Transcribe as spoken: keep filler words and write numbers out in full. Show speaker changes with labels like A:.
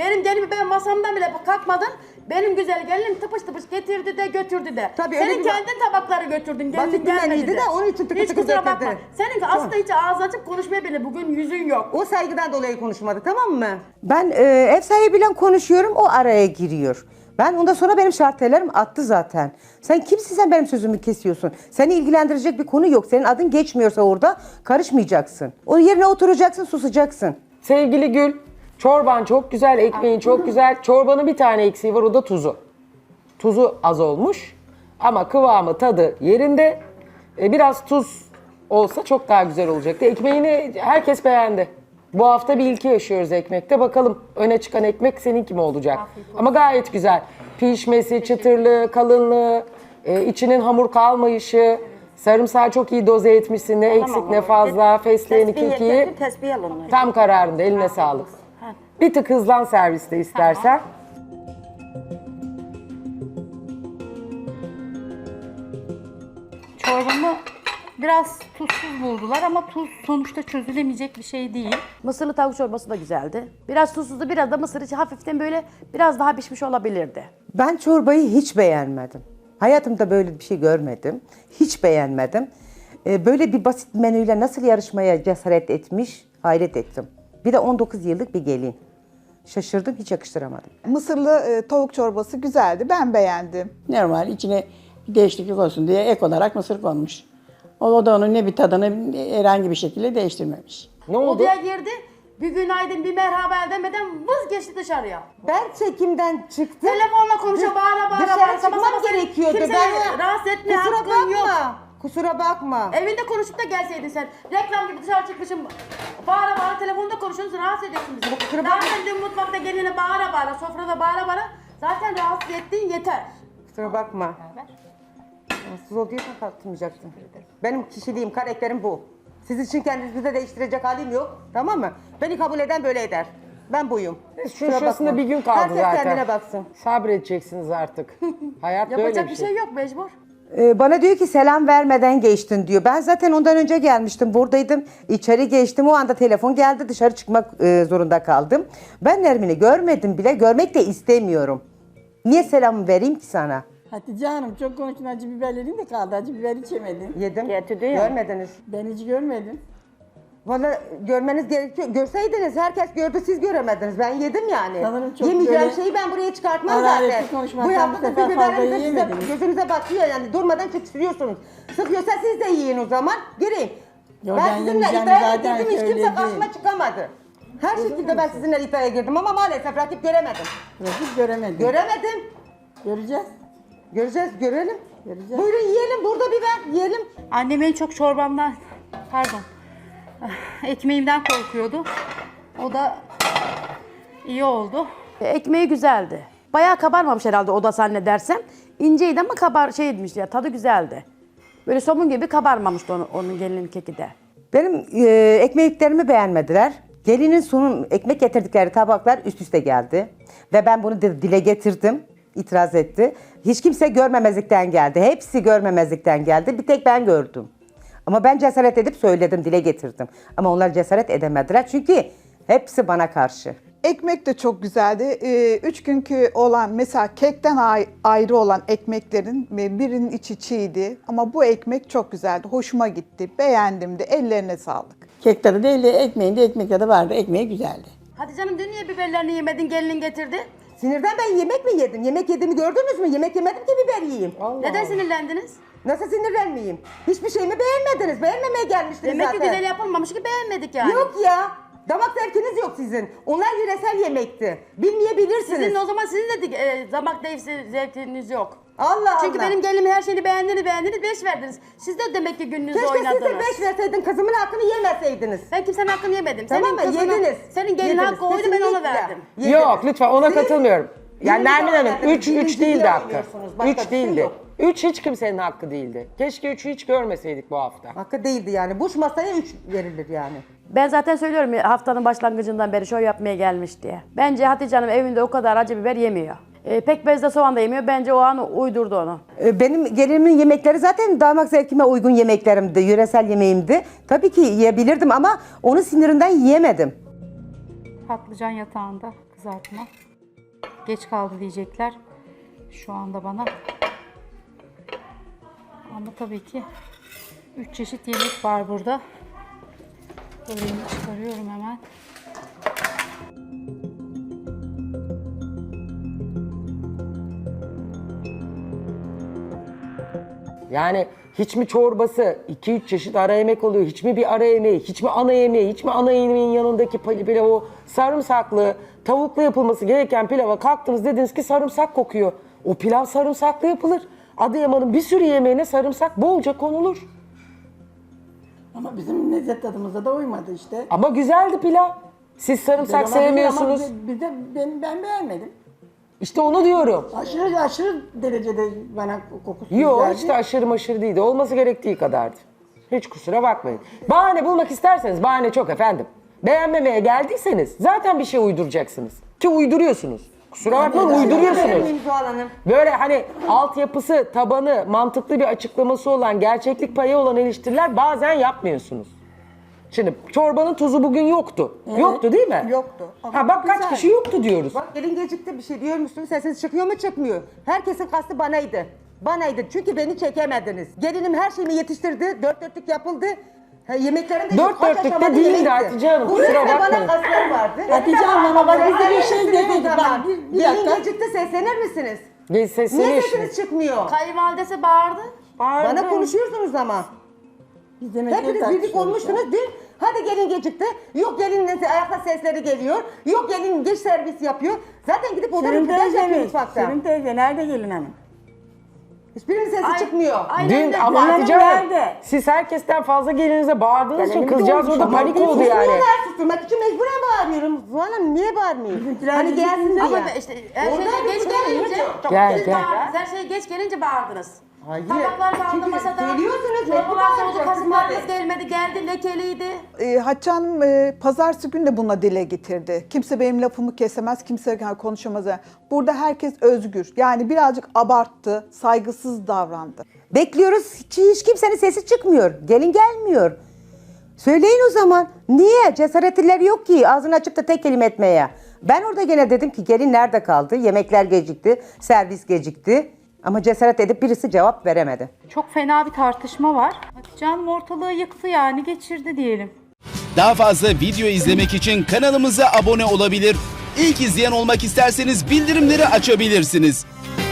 A: Benim gelimi ben masamdan bile kalkmadım. Benim güzel gelinim tıpış tıpış getirdi de götürdü de.
B: Tabii, öyle
A: Senin
B: bir-
A: kendin tabakları götürdün.
B: Basit
A: Gelinin
B: bir
A: gelmedi
B: menüydü
A: de.
B: de onun için tıkır
A: Hiç
B: tıkır
A: kusura bakma.
B: getirdi.
A: Senin aslında hiç ağzı açıp konuşmaya bile bugün yüzün yok.
B: O saygıdan dolayı konuşmadı, tamam mı?
C: Ben e, ev sahibiyle konuşuyorum, o araya giriyor. Ben ondan sonra benim şartelerim attı zaten. Sen kimsin, sen benim sözümü kesiyorsun? Seni ilgilendirecek bir konu yok. Senin adın geçmiyorsa orada karışmayacaksın. O yerine oturacaksın, susacaksın.
D: Sevgili Gül, çorban çok güzel, ekmeğin çok güzel. Çorbanın bir tane eksiği var, o da tuzu. Tuzu az olmuş ama kıvamı, tadı yerinde. E, biraz tuz olsa çok daha güzel olacaktı. Ekmeğini herkes beğendi. Bu hafta bir ilki yaşıyoruz ekmekte. Bakalım öne çıkan ekmek seninki mi olacak? Ama gayet güzel. Pişmesi, çıtırlığı, kalınlığı, e, içinin hamur kalmayışı, sarımsağı çok iyi doze etmişsin. Ne eksik ne fazla, fesleğeni, kekiği.
E: Tesbih al onları.
D: Tam kararında, eline sağlık. Bir tık hızlan serviste istersen.
F: Çorbamı biraz tuzsuz buldular ama tuz sonuçta çözülemeyecek bir şey değil.
A: Mısırlı tavuk çorbası da güzeldi. Biraz tuzsuzdu, biraz da mısır içi hafiften böyle biraz daha pişmiş olabilirdi.
C: Ben çorbayı hiç beğenmedim. Hayatımda böyle bir şey görmedim. Hiç beğenmedim. Ee, böyle bir basit menüyle nasıl yarışmaya cesaret etmiş, hayret ettim. Bir de on dokuz yıllık bir gelin. Şaşırdım, hiç yakıştıramadım.
G: Mısırlı e, tavuk çorbası güzeldi. Ben beğendim.
H: Normal içine bir değişiklik olsun diye ek olarak mısır konmuş. O, o da onun ne bir tadını herhangi bir şekilde değiştirmemiş.
D: Ne oldu?
A: Odaya girdi, bir günaydın bir merhaba demeden vız geçti dışarıya.
B: Ben çekimden çıktım.
A: Telefonla konuşuyor, bağıra bağıra
B: Dışarı
A: bağıra. Sabah
B: çıkmam
A: sabah
B: gerekiyordu.
A: Kimseyi
B: Ben
A: rahatsız etmeye
B: Kusura
A: hakkın
B: bakma.
A: yok.
B: Kusura bakma.
A: Evinde konuşup da gelseydin sen. Reklam gibi dışarı çıkmışım. Bağıra bağıra telefonda konuşuyorsunuz, rahatsız ediyorsun bizi.
B: kusura bakma.
A: Zaten dün mutfakta geline bağıra bağıra, sofrada bağıra bağıra. Zaten rahatsız ettiğin yeter.
B: Kusura bakma. Rahatsız oluyorsan kalkmayacaksın. Benim kişiliğim, karakterim bu. Siz için kendinizi de değiştirecek halim yok. Tamam mı? Beni kabul eden böyle eder. Ben buyum.
D: Şu
B: Kusura
D: şurasında
B: bakma.
D: bir gün kaldı
B: Herkes
D: zaten.
B: kendine baksın.
D: Sabredeceksiniz artık. Hayat böyle
A: Yapacak
D: bir
A: bir
D: şey.
A: şey yok, mecbur.
C: Ee, bana diyor ki selam vermeden geçtin diyor. Ben zaten ondan önce gelmiştim, buradaydım. İçeri geçtim, o anda telefon geldi, dışarı çıkmak e, zorunda kaldım. Ben Nermin'i görmedim bile, görmek de istemiyorum. Niye selam vereyim ki sana?
H: Hatice Hanım çok konuştun, acı biberlerin de kaldı. Acı biber hiç yemedin.
B: Yedim.
E: Getirdi ya.
B: Görmediniz.
H: Ben hiç görmedim.
B: Valla görmeniz gerekiyor. Görseydiniz, herkes gördü, siz göremediniz. Ben yedim yani.
H: Sanırım çok
B: Yemeyeceğim
H: böyle
B: şeyi ben buraya çıkartmam
H: hararetli
B: zaten.
H: konuşmaktan
B: Bu
H: bu
B: yaptığınız
H: sefer
B: bir
H: fazla
B: biberiniz de size
H: yiyemediniz.
B: gözünüze batıyor yani. Durmadan çıksırıyorsunuz. Sıkıyorsa siz de yiyin o zaman. Göreyim.
H: Yo,
B: ben
H: ben
B: sizinle
H: yemeyeceğim
B: iddiaya
H: zaten,
B: girdim, hiç
H: öyle
B: kimse karşıma
H: değil.
B: çıkamadı. Her şekilde ben sizinle iddiaya girdim ama maalesef rakip göremedim.
H: Rakip göremedim.
B: Göremedim.
H: Göreceğiz.
B: Göreceğiz, görelim.
H: Göreceğiz.
B: Buyurun yiyelim, burada biber yiyelim.
F: Annem en çok çorbamdan, pardon, ekmeğimden korkuyordu. O da iyi oldu.
A: E, Ekmeği güzeldi. Bayağı kabarmamış herhalde o da zannedersem. İnceydi ama kabar şeymiş ya, tadı güzeldi. Böyle somun gibi kabarmamıştı onun, onun gelinin keki de.
C: Benim e, ekmeklerimi beğenmediler. Gelinin sunum ekmek getirdikleri tabaklar üst üste geldi. Ve ben bunu de- dile getirdim. İtiraz etti. Hiç kimse görmemezlikten geldi. Hepsi görmemezlikten geldi. Bir tek ben gördüm. Ama ben cesaret edip söyledim, dile getirdim. Ama onlar cesaret edemediler çünkü hepsi bana karşı.
G: Ekmek de çok güzeldi. Ee, üç günkü olan mesela kekten ay- ayrı olan ekmeklerin e, birinin içi çiğdi. Ama bu ekmek çok güzeldi. Hoşuma gitti. Beğendim de. Ellerine sağlık.
H: Kek tadı değil de ekmeğinde ekmek tadı vardı. Ekmeği güzeldi.
A: Hadi canım dün niye biberlerini yemedin, gelinin getirdi?
B: Sinirden ben yemek mi yedim? Yemek yediğimi gördünüz mü? Yemek yemedim ki biber yiyeyim.
A: Neden sinirlendiniz?
B: Nasıl sinirlenmeyeyim? Hiçbir şeyimi beğenmediniz. Beğenmemeye gelmiştiniz
A: Demek ki
B: zaten.
A: güzel yapılmamış ki beğenmedik yani.
B: Yok ya. Damak zevkiniz yok sizin. Onlar yöresel yemekti. Bilmeyebilirsiniz.
A: Sizin o zaman sizin de e, damak zevk- zevkiniz yok.
B: Allah
A: Çünkü
B: Allah.
A: benim gelimin her şeyini beğendiniz beğendiniz beş verdiniz. Siz de demek ki gününüzü
B: Keşke siz
A: oynadınız.
B: de beş verseydin, kızımın hakkını yemeseydiniz.
A: Ben kimsenin hakkını yemedim.
B: Tamam
A: senin
B: mı?
A: kızının-
B: Yediniz.
A: Senin gelin
B: Yediniz.
A: hakkı oydu ben ona
B: Kesinlikle.
A: verdim.
B: Yediniz.
D: Yok lütfen ona
B: Siz
D: katılmıyorum. Yani
B: birinci
D: Nermin Hanım
B: olarak
D: üç üç
B: birinci
D: değildi
B: diye
D: hakkı.
B: oynuyorsunuz. Başka bir
D: üç
B: şey
D: değildi.
B: yok.
D: üç hiç kimsenin hakkı değildi. Keşke üçü hiç görmeseydik bu hafta.
B: Hakkı değildi yani. Boş masaya üç verilir yani.
A: Ben zaten söylüyorum ya, haftanın başlangıcından beri şov yapmaya gelmiş diye. Bence Hatice Hanım evinde o kadar acı biber yemiyor. E, pekmezde soğan da yemiyor. Bence o an uydurdu onu.
C: E, Benim gelinimin yemekleri zaten damak zevkime uygun yemeklerimdi, yöresel yemeğimdi. Tabii ki yiyebilirdim ama onu sinirinden yiyemedim.
F: Patlıcan yatağında kızartma. Geç kaldı diyecekler şu anda bana. Ama tabii ki üç çeşit yemek var burada. Böreğimi çıkarıyorum hemen.
D: Yani hiç mi çorbası, iki üç çeşit ara yemek oluyor, hiç mi bir ara yemeği, hiç mi ana yemeği, hiç mi ana yemeğin yanındaki pil- pilav o sarımsaklı, tavuklu yapılması gereken pilava kalktınız dediniz ki sarımsak kokuyor. O pilav sarımsaklı yapılır. Adıyaman'ın bir sürü yemeğine sarımsak bolca konulur.
H: Ama bizim lezzet tadımıza da uymadı işte.
D: Ama güzeldi pilav. Siz sarımsak
H: Güzel olabilir ama
D: sevmiyorsunuz.
H: bize- bize- ben, ben beğenmedim.
D: İşte onu diyorum.
H: Aşırı aşırı derecede bana kokusu
D: Yok
H: geldi.
D: işte aşırı maşırı değildi. Olması gerektiği kadardı. Hiç kusura bakmayın. Bahane bulmak isterseniz bahane çok efendim. Beğenmemeye geldiyseniz zaten bir şey uyduracaksınız. Ki uyduruyorsunuz. Kusura bakmayın uyduruyorsunuz.
B: Beğenmeyeyim Zuhal Hanım.
D: Böyle hani altyapısı, tabanı, mantıklı bir açıklaması olan, gerçeklik payı olan eleştiriler bazen yapmıyorsunuz. Şimdi çorbanın tuzu bugün yoktu. Yoktu değil mi?
H: Yoktu.
D: Ha bak kaç kişi yoktu diyoruz.
B: Bak gelin gecikti bir şey diyor musunuz? Sesiniz çıkıyor mu çıkmıyor. Herkesin kastı banaydı. Banaydı çünkü beni çekemediniz. Gelinim her şeyimi yetiştirdi. Dört dörtlük yapıldı. Ha, yemeklerim de
D: Dört
B: yok. Kaç
D: dörtlük de
B: aşamada
D: değildi
B: yemekti.
D: Hatice Hanım,
B: Bu
D: kusura
B: yüzden
D: bakmayın.
B: bana kasları vardı.
H: Hatice Hanım, bak biz de bir şey
B: Seslenir
H: dedik.
B: misiniz
H: Bak,
B: ama?
H: bir- bir
B: Gelin
H: dakika.
B: gecikti seslenir misiniz?
D: Geç
B: Niye
D: sesini
B: sesiniz çıkmıyor?
A: Kayınvalidesi bağırdı.
B: Bana konuşuyorsunuz ama.
H: Biz yemekleri
B: Hepiniz birlik
H: tartışıyoruz
B: olmuşsunuz. Dün hadi gelin gecikti. Yok gelin ayakta sesleri geliyor. Yok gelin geç servis yapıyor. Zaten gidip odanın
H: Şirin
B: pidaj yapıyor
H: teyze,
B: mutfakta.
H: Şirin teyze nerede gelin hanım?
B: Hiçbirinin sesi
A: Ay-
B: çıkmıyor.
A: Aynen
D: Dün
A: öyle.
D: ama
H: Gelinim
D: Hatice Hanım
H: nerede?
D: siz herkesten fazla gelinize bağırdığınız için
H: Gelinim de
D: kızcağız
H: olmuş
D: orada
H: ama
D: panik
H: biz
D: oldu yani.
B: Susmuyorlar, susturmak için mecburen bağırıyorum. Zuhal Hanım niye bağırmayayım?
H: Bizimkiler
B: Hani
H: bizim
B: gelsin de
A: Ama
B: ya.
A: işte her
B: Orada
A: şey
B: bir
A: geç
B: burada
A: gelince
B: yok.
D: Gel,
A: siz
D: gel.
A: bağırdınız. Her şey geç gelince bağırdınız.
B: Hayır.
A: Tabaklar kaldı
B: Çünkü
A: masada.
B: söylüyorsunuz, mecbur
A: Çorbalar soğudu,
B: bağıracaksınız
A: kasıklarınız
B: hadi.
A: gelmedi, geldi lekeliydi.
G: E, Hatice Hanım e, pazartesi günü de buna dile getirdi. Kimse benim lafımı kesemez, kimse konuşamaz. Burada herkes özgür. Yani birazcık abarttı, saygısız davrandı.
C: Bekliyoruz hiç, hiç kimsenin sesi çıkmıyor. Gelin gelmiyor. Söyleyin o zaman. Niye? Cesaretlileri yok ki ağzını açıp da tek kelime etmeye. Ben orada gene dedim ki gelin nerede kaldı? Yemekler gecikti, servis gecikti. Ama cesaret edip birisi cevap veremedi.
F: Çok fena bir tartışma var. Hatice Hanım ortalığı yıktı yani geçirdi diyelim.
E: Daha fazla video izlemek için kanalımıza abone olabilir. İlk izleyen olmak isterseniz bildirimleri açabilirsiniz.